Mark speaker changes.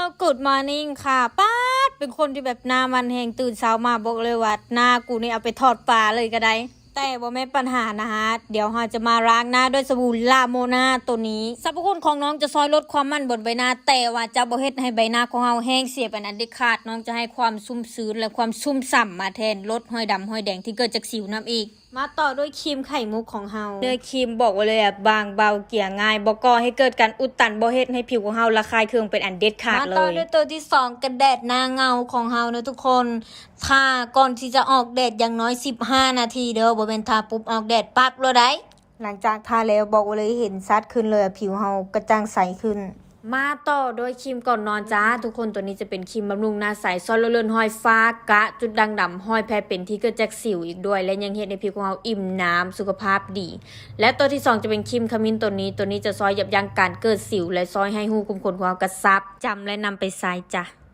Speaker 1: Good morning ค่ะป๊าดเป็นคนที่แบบหน้ามันแหงตื่นเช้ามาบอกเลยว่าหน้ากูนี่เอาไปทอดปลาเลยก็ได้แต่บ่แม่นปัญหานะฮะเดี๋ยวเราจะมาล้างหน้าด้วยสบู่ลาโมนาตัวนี้สรรพคุณของน้องจะซอยลดความมันบนใบหน้าแต่ว่าจะบ่เฮ็ดให้ใบหน้าของเราแห้งเสียไปนั้นเด็ดขาดน้องจะให้ความชุ่มชื้นและความชุ่มฉ่ำมาแทนลดห้อยดำห้อยแดงที่เกิดจากสิวน้ำอีกมาต่อด้วยครีมไข่มุกของเราเนื้อครีมบอกไว้เลยบางเบาเกลี่ยง่ายบ่ก่อให้เกิดการอุดตันบ่เฮ็ดให้ผิวของเราระคายเคืองเป็นอันเด็ดขาดเลยมาต่อด้วยตัวที่2กันแดดหน้าเงาของเราเนอะทุกคนทาก่อนที่จะออกแดดอย่างน้อย15นาทีเด้อบ่แม่นทาปุ๊บออกแดดปั๊บเลยได้หลังจากทาแล้วบอกเลยเห็นชัดขึ้นเลยผิวเรากระจ่างใสขึ้นมาต่อโดยครีมก่อนนอนจ้าทุกคนตัวนี้จะเป็นครีมบำรุงหน้าใสซ่อนเลือนห้อยฟ้ากะจุดด่างดำห้อยแผลเป็นที่เกิดจากสิวอีกด้วยและยังเฮ็ดให้ผิวของเราอิ่มน้ำสุขภาพดีและตัวที่2จะเป็นครีมขมิ้นตัวนี้จะซอยยับยั้งการเกิดสิวและซอยให้หูขุมขนของเรากระซับจำและนำไปใช้จ้ะ